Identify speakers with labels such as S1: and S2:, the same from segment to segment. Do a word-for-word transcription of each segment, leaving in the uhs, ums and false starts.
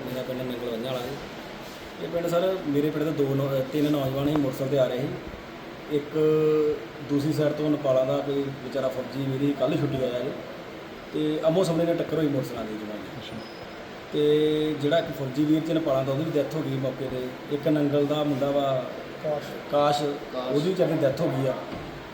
S1: ਮੇਰਾ ਪਿੰਡ ਨੰਗਲਵੰਝਾ ਵਾਲਾ ਜੀ। ਇਹ ਪਿੰਡ ਸਰ ਮੇਰੇ ਪਿੰਡ ਦੇ ਦੋ ਨੌ ਤਿੰਨ ਨੌਜਵਾਨ ਹੀ ਮੋਟਰਸਾਈਕਲ 'ਤੇ ਆ ਰਹੇ ਸੀ। ਇੱਕ ਦੂਸਰੀ ਸਾਈਡ ਤੋਂ ਨੇਪਾਲਾਂ ਦਾ ਕੋਈ ਵਿਚਾਰਾ ਫੌਜੀ ਮੇਰੀ ਕੱਲ੍ਹ ਛੁੱਟੀ ਆਇਆ ਜੀ, ਅਤੇ ਆਮੋ ਸਾਹਮਣੇ ਨਾਲ ਟੱਕਰ ਹੋਈ ਮੋਟਰਸਾਈਕਲਾਂ ਦੀ ਜਮਾਈ। ਅਤੇ ਜਿਹੜਾ ਇੱਕ ਫੌਜੀ ਵੀਰ 'ਚ ਨੇਪਾਲਾਂ ਦਾ ਉਹਦੀ ਵੀ ਡੈਥ ਹੋ ਗਈ ਮੌਕੇ 'ਤੇ। ਇੱਕ ਨੰਗਲ ਦਾ ਮੁੰਡਾ ਵਾ ਕਾਸ਼ ਕਾਸ਼ ਉਹਦੀ ਵੀ ਵਿਚਾਰੀ ਡੈਥ ਹੋ ਗਈ ਆ।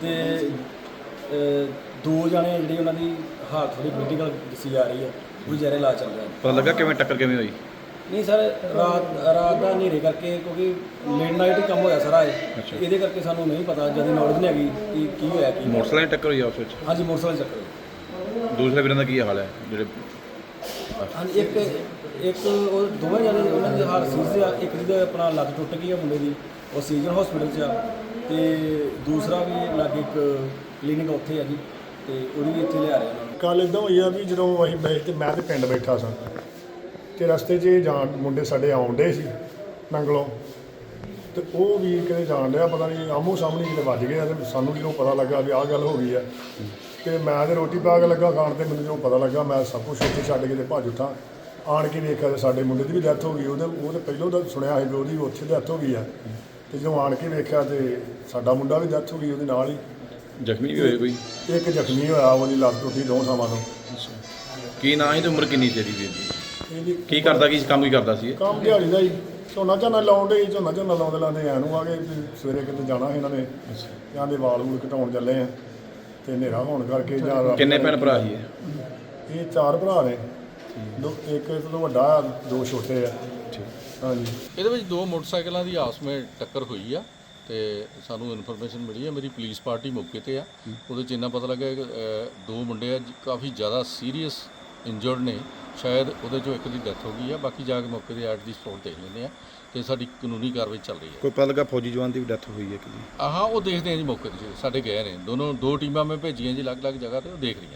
S1: ਅਤੇ ਦੋ ਜਣੇ ਜਿਹੜੀ ਉਹਨਾਂ ਦੀ ਹਾਲਤ ਥੋੜ੍ਹੀ ਕ੍ਰਿਟੀਕਲ ਦੱਸੀ ਜਾ ਰਹੀ ਆ, ਉਹ ਵਿਚਾਰੇ ਇਲਾਜ ਚੱਲ ਰਿਹਾ।
S2: ਪਤਾ ਲੱਗਾ ਕਿਵੇਂ ਟੱਕਰ ਕਿਵੇਂ ਹੋਈ?
S1: ਨਹੀਂ ਸਰ, ਰਾਤ ਰਾਤ ਦਾ ਹਨੇਰੇ ਕਰਕੇ, ਕਿਉਂਕਿ ਲੇਟ ਨਾਈਟ ਹੀ ਕੰਮ ਹੋਇਆ ਸਾਰਾ ਇਹ, ਇਹਦੇ ਕਰਕੇ ਸਾਨੂੰ ਨਹੀਂ ਪਤਾ, ਜਿਆਦਾ ਨੌਲੇਜ ਨਹੀਂ ਹੈਗੀ ਕਿ ਕੀ ਹੋਇਆ ਕੀ।
S2: ਮੋਟਰਸਾਈਕਲ ਦੀ ਟੱਕਰ ਹੋਈ ਆਪਸ ਵਿੱਚ?
S1: ਹਾਂਜੀ, ਮੋਟਰਸਾਈਕਲ ਚੱਕਰ।
S2: ਦੂਸਰੇ ਵੀਰਾਂ ਦਾ ਕੀ ਹਾਲ ਹੈ ਜਿਹੜੇ?
S1: ਹਾਂਜੀ, ਇੱਕ ਇੱਕ ਉਹ ਦੋਵੇਂ ਜਣੇ ਉਹਨਾਂ ਦੀ ਹਾਲਤ ਸੀਰੀਅਸ ਆ। ਇੱਕ ਦੀ ਆਪਣਾ ਲੱਤ ਟੁੱਟ ਗਈ ਆ ਮੁੰਡੇ ਦੀ, ਉਹ ਸੀਜ਼ਨ ਹਸਪੀਟਲ 'ਚ ਆ। ਅਤੇ ਦੂਸਰਾ ਵੀ ਲਾਗੇ ਇੱਕ ਕਲੀਨਿਕ ਉੱਥੇ ਆ ਜੀ, ਅਤੇ ਉਹਦੀ ਵੀ ਇੱਥੇ ਲਿਆ ਰਹੇ ਉਹਨਾਂ ਨੂੰ।
S3: ਕੱਲ੍ਹ ਇੱਦਾਂ ਹੋਈ ਆ ਵੀ ਜਦੋਂ ਅਸੀਂ ਬੈਠ ਤੇ ਮੈਂ ਤੇ ਪਿੰਡ ਬੈਠਾ ਸਾਂ, ਅਤੇ ਰਸਤੇ 'ਚ ਜਾਣ ਮੁੰਡੇ ਸਾਡੇ ਆਉਣ ਡੇ ਸੀ ਨੰਗਲੋਂ, ਅਤੇ ਉਹ ਵੀ ਕਿਤੇ ਜਾਣ ਡਿਆ, ਪਤਾ ਨਹੀਂ ਆਮੋ ਸਾਹਮਣੇ ਕਿਤੇ ਵੱਜ ਗਿਆ। ਅਤੇ ਸਾਨੂੰ ਜਦੋਂ ਪਤਾ ਲੱਗਾ ਵੀ ਆਹ ਗੱਲ ਹੋ ਗਈ ਆ, ਅਤੇ ਮੈਂ ਤਾਂ ਰੋਟੀ ਪਾ ਕੇ ਲੱਗਾ ਖਾਣ, ਅਤੇ ਮੈਨੂੰ ਜਦੋਂ ਪਤਾ ਲੱਗਾ ਮੈਂ ਸਭ ਕੁਛ ਉੱਥੇ ਛੱਡ ਕੇ ਅਤੇ ਭੱਜ ਉੱਠਾਂ। ਆਣ ਕੇ ਵੇਖਿਆ ਤਾਂ ਸਾਡੇ ਮੁੰਡੇ ਦੀ ਵੀ ਡੈਥ ਹੋ ਗਈ। ਉਹਦੇ ਉਹ ਤਾਂ ਪਹਿਲੋਂ ਤਾਂ ਸੁਣਿਆ ਸੀ ਵੀ ਉਹਦੀ ਉੱਥੇ ਡੈਥ ਹੋ ਗਈ ਆ, ਅਤੇ ਜਦੋਂ ਆਣ ਕੇ ਵੇਖਿਆ ਤਾਂ ਸਾਡਾ ਮੁੰਡਾ ਵੀ ਡੈਥ ਹੋ ਗਈ ਉਹਦੇ ਨਾਲ ਹੀ।
S2: ਜ਼ਖਮੀ ਵੀ ਹੋਏ ਕੋਈ?
S3: ਇੱਕ ਜ਼ਖਮੀ ਹੋਇਆ, ਉਹਦੀ ਲੱਤ ਟੁੱਟੀ ਦੋ ਥਾਵਾਂ ਤੋਂ।
S2: ਕੀ ਨਾਂ ਸੀ ਤੇ ਉਮਰ ਕਿੰਨੀ ਸੀ ਵੀਰ ਦੀ?
S3: ਇਹਦੀ
S2: ਕੀ ਕਰਦਾ, ਕੀ ਕੰਮ ਕੀ ਕਰਦਾ ਸੀ?
S3: ਕੰਮ ਦਿਹਾੜੀ ਦਾ ਹੀ, ਝੋਨਾ ਝੋਨਾ ਲਾਉਣ ਡੇ ਝੋਨਾ ਝੋਨਾ ਲਾਉਂਦੇ ਲਾਉਂਦੇ ਐਂ ਨੂੰ ਆ ਗਏ ਵੀ ਸਵੇਰੇ ਕਿਤੇ ਜਾਣਾ ਸੀ ਇਹਨਾਂ ਨੇ, ਜਾਂ ਦੇ ਵਾਲ ਵੂਲ ਘਟਾਉਣ ਚੱਲੇ ਆ, ਅਤੇ ਹਨੇਰਾ ਹੋਣ ਕਰਕੇ ਜਾਂ
S2: ਕਿੰਨੇ ਭੈਣ ਭਰਾ ਸੀ ਇਹ?
S3: ਇਹ ਚਾਰ ਭਰਾ ਨੇ, ਦੋ ਇੱਕ ਤੋਂ ਵੱਡਾ ਆ, ਦੋ ਛੋਟੇ ਆ। ਹਾਂਜੀ,
S4: ਇਹਦੇ ਵਿੱਚ ਦੋ ਮੋਟਰਸਾਈਕਲਾਂ ਦੀ ਆਪਸ ਵਿੱਚ ਟੱਕਰ ਹੋਈ ਆ, ਤੇ ਸਾਨੂੰ ਇਨਫੋਰਮੇਸ਼ਨ ਮਿਲੀ ਹੈ। ਮੇਰੀ ਪੁਲਿਸ ਪਾਰਟੀ ਮੌਕੇ ਤੇ ਆ। ਉਹਦੇ 'ਚ ਇੰਨਾ ਪਤਾ ਲੱਗਾ ਕਿ ਅ, ਦੋ ਮੁੰਡੇ ਆ ਕਾਫੀ ਜ਼ਿਆਦਾ ਸੀਰੀਅਸ ਇੰਜਰਡ ਨੇ, ਸ਼ਾਇਦ ਉਹਦੇ 'ਚੋਂ ਇੱਕ ਦੀ ਡੈਥ ਹੋ ਗਈ ਆ। ਬਾਕੀ ਜਾ ਕੇ ਮੌਕੇ ਤੇ ਐਟ ਦੀ ਸਪੌਟ ਦੇਖ ਲੈਂਦੇ ਆ, ਤੇ ਸਾਡੀ ਕਾਨੂੰਨੀ ਕਾਰਵਾਈ ਚੱਲ ਰਹੀ ਹੈ।
S2: ਕੋਈ ਪਤਾ ਲੱਗਾ ਫੌਜੀ ਜਵਾਨ ਦੀ ਵੀ ਡੈਥ ਹੋਈ ਹੈ ਕਿ?
S4: ਆਹਾਂ ਉਹ ਦੇਖਦੇ ਆ ਜੀ, ਮੌਕੇ ਤੇ ਸਾਡੇ ਗਏ ਨੇ ਦੋਨੋਂ, ਦੋ ਟੀਮਾਂ ਮੈਂ ਭੇਜੀਆਂ ਜੀ ਅਲੱਗ-ਅਲੱਗ ਜਗ੍ਹਾ ਤੇ, ਉਹ ਦੇਖ ਰਹੀਆਂ।